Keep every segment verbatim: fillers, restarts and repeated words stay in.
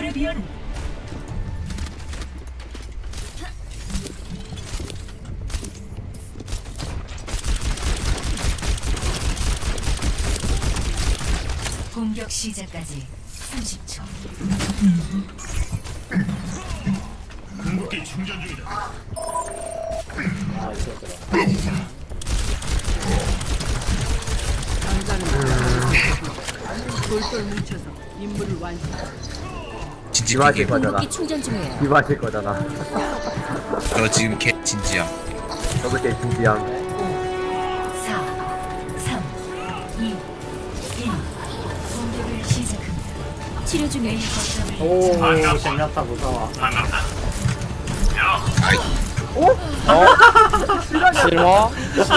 레비언 공격 시작까지 삼십 초. 궁극기 충전 중이다. 아 있었더라. 돌돌 뭉쳐서 임무를 완성. 진지하게 거잖아. 궁극기 충전 중이에요. 비마실 거잖아. 너 지금 개 진지야. 저거 제 진지함. 사, 삼, 이, 일. 공격을 시작합니다. 치료 중에 오 젠야타 무서워. 실화?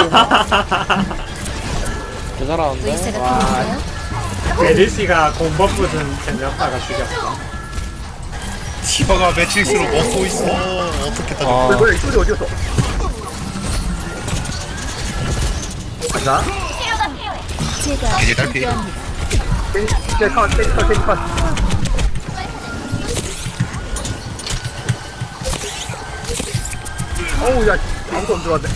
개 잘하는데? 의사가 와. 필요한가요? 메르시가 공버프 준 젠야타가 죽였어. 티바가 매트릭스로 먹고 있어. 어떻게 다 아, 뭐야, 뭐야, 이 소리 어디였어? 가자. 제가 이제 딸피. 함께합니다. 땡, 컷, 땡, 컷, 땡, 컷. 어우, 야, 아무도 안 들어왔네.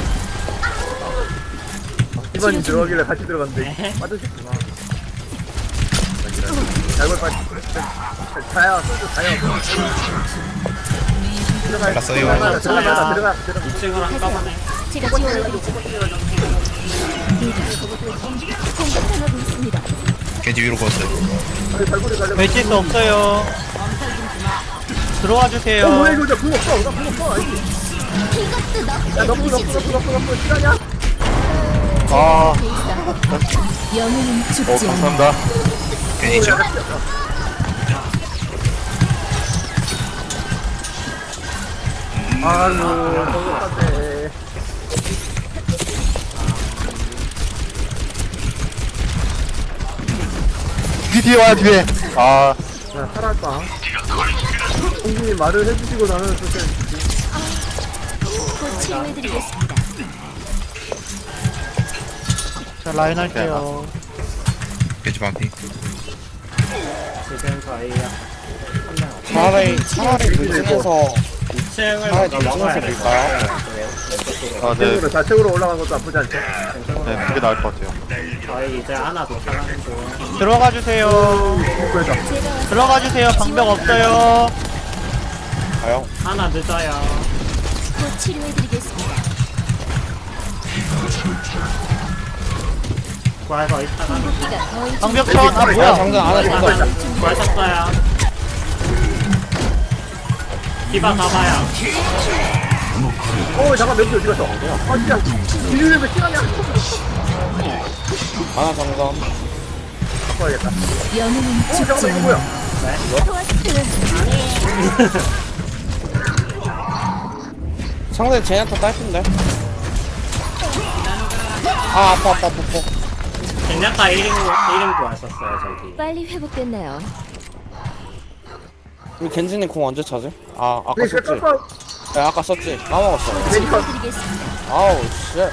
이번이 들어가길래 같이 들어갔는데 빠져있구나. 잘못 빠지. 자야, 소주 자야. 들어가. 알았어요. 들어가, 들어가, 들어가, 들어가. 이 층으로 한꺼번에. 제가 지원해드리죠. 공격당하고 있습니다. 겐지 위로 걷어요. 발골이 가려고. 배치스 없어요. 들어와 주세요. 어, 뭐야, 이거, 나 그거 없어, 나 그거 없어. 아이씨. 이것도 야, 너무, 너무, 너무, 너무, 너무, 시간이야? 아, 영웅은 어, 죽지 않아. 감사합니다. 겐지죠. 아유, 너무 깜짝해. 뒤에 와야 뒤에. 아, 야, 살았다. 형님이 말을 해주시고 나는 그때 곧 치료해드리겠습니다. 자, 라인 할게요. 겐지 반피. 지금 저희야. 차라리, 차라리 물중에서, 이 층을 차라리 먼저 먹어야 물중에서 될 밀까요? 거예요. 아, 네. 좌측으로, 좌측으로 올라간 것도 나쁘지 않죠? 네, 그게 나을 것 같아요. 저희 이제 하나 도착하는 중. 들어가 주세요. 그래서 들어가 주세요. 방벽 없어요. 가요? 하나 늦어요. 곧 치료해드리겠습니다. 구할 거 있다가 궁극기가 거의 좀 방벽 천. 아, 뭐야. 장전 안 하셨다. 구하셨어요. 디바 가봐요. 어, 잠깐, 몇 개 어디 갔어? 아, 진짜. 비밀을 왜 시간이야? 하나 장전. 바꿔야겠다. 영웅은 어, 죽지 잠깐만, 이거 않아. 뭐야? 상대 제냐타 딸핀데? 아, 아파, 아파, 아파, 아파. 젠야타 일 인 일 인 구하셨어요 저기. 빨리 회복됐나요? 우리 겐지님 공 언제 차지? 아, 아까 네, 썼지? 깎아. 네, 아까 썼지? 까먹었어. 메디컬. 치료해드리겠습니다. 아우, 쉣.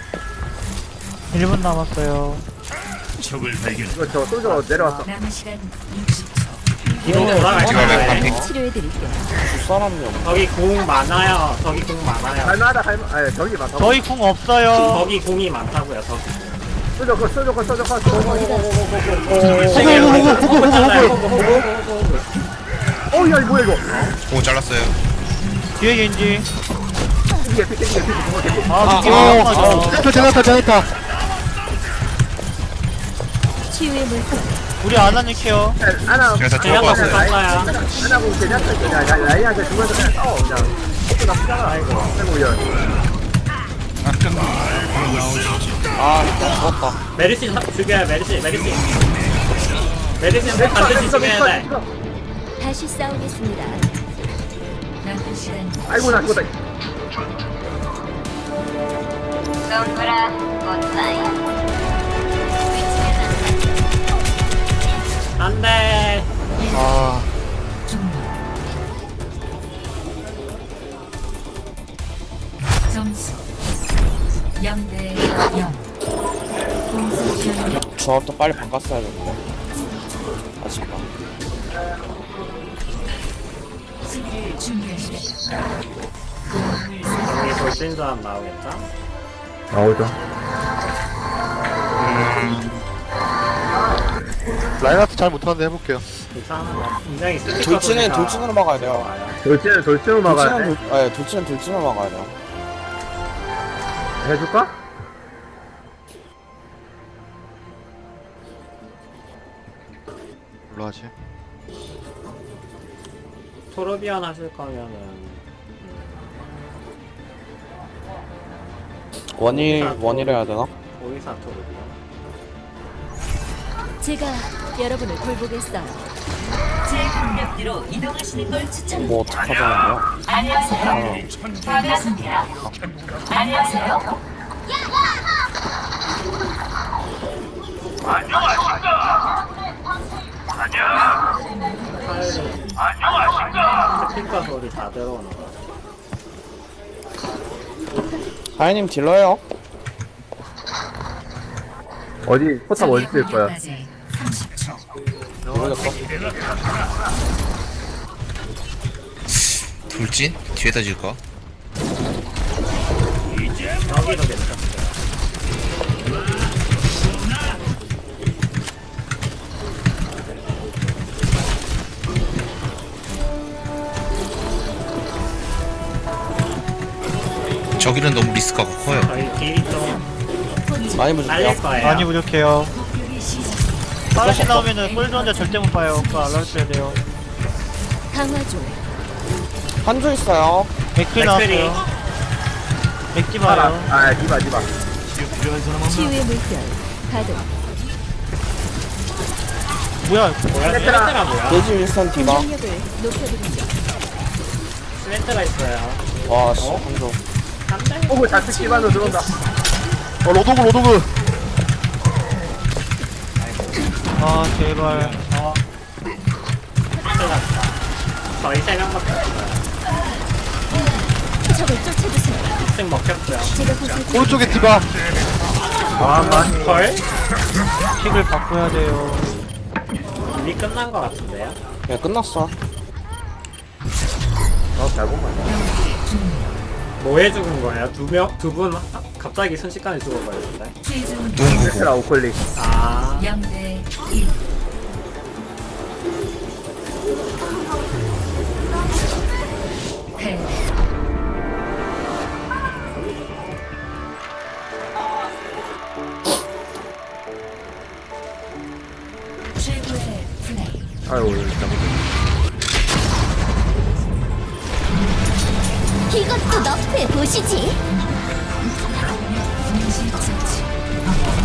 일 분 남았어요. 적을 발견. 이거 저 소저 내려왔어. 남은 시간 육십 초. 뒤로 돌아갈 디바 거예요. 반피. 치료해드릴게요. 두 사람이 없네. 저기 공 많아요. 저기 공 많아요. 할만하다, 할만, 아니, 저기 많다. 저희 궁 없어요. 저기 공이 많다고요. 저기. 소저 거, 소저 거, 소저 거, 소저 거. 어, 야, 이거 뭐야, 이거? 오 잘랐어요. 뒤에 겐지. 이게, 이게, 이게, 이게, 이게. 아, 이게 아, 저 제나타, 제나타. 치유의 물품. 우리 아나님 케어. 하나, 그래서 제가 들어가 왔어요. 땄어요. 하나 보고 제나타, 그냥, 야, 라이한테 중간에서 그냥 싸워, 그냥. 이거 나쁘잖아, 아이고. 아이고, 야. 아, 일단 죽었다. 메르시 사- 죽여요. 메르시 메르시. 메르시는 반드시 죽여야 돼. 다시 싸우겠습니다. 남은 시간 아이고, 나 죽었다. 동그라 꽃사이 안돼. 아, 점수 영 대 영. 공수 변경. 조합도 빨리 바꿨어야 되는데. 아쉽다. 수비를 준비하십시오. 공을 사 여기 돌진 조합 나오겠죠? 나오죠. 라인하트 잘 못하는데 해볼게요. 괜찮아. 굉장히 스피커 돌진은 소리가 돌진으로 막아야 돼요. 나와요. 돌진은 돌진으로 막아야 돌진은 돼. 돌, 네, 돌진은 돌진으로 막아야 돼요. 해줄까? 뭘로 하지? 토르비언 하실 거면은 원일 원일 해야 되나? 오이사 토르비언. 제가 여러분을 돌보겠어요. 제 공격대로 이동하시는 걸 추천합니다. 뭐 어떡하자는데요? 안녕하세요. 반갑습니다. 안녕하세요. 스피커 소리 다 들어오는 거. 하이님 딜러요? 어디 포탑 어디 쓸 거야? 공격까지 삼십 초. 모르겠어. 돌진? 뒤에다 질까? 여기도 괜찮아요. 저기는 너무 리스크가 커요. 저희 딜이 좀 많이 부족해요. 딸릴 거예요. 많이 부족해요. 공격이 시작. 빠르시 나오면은 꿀 좋은데 절대 못 봐요. 그거 알람 써야 돼요. 강화 중. 한조 있어요. 맥크리. 맥클 나왔어요. 맥지 파라. 마요. 아, 디바, 디바. 치유의 물결. 가동. 뭐야? 뭐야? 세트라. 스렌트가 뭐야? 돼지 윌슨 디바. 공격력을 높여드리죠. 스렌트가 있어요. 와, 씨, 한조. 한대? 오구 자축 기반으로 들어온다. 어, 로도그, 로도그. 아, 제발. 어. 스렌트가 저희 세 명밖에 없어요. 적을 쫓아주세요. 이 층 먹혔고요. 제가 보살펴 오른쪽에 디바. 아, 많이. 헐? 킥을 바꿔야 돼요. 이미 끝난 거 같은데요? 야, 끝났어. 어, 잘 보면. 뭐해 죽은 거예요? 두 명? 두 분 갑자기 순식간에 죽어버렸는데? 최종 농구구. 세트라 우클릭. 아, 영 대 일. 패. 최고의 플레이. 아유, 진짜. 이것도 너프해 보시지. 동시 처치.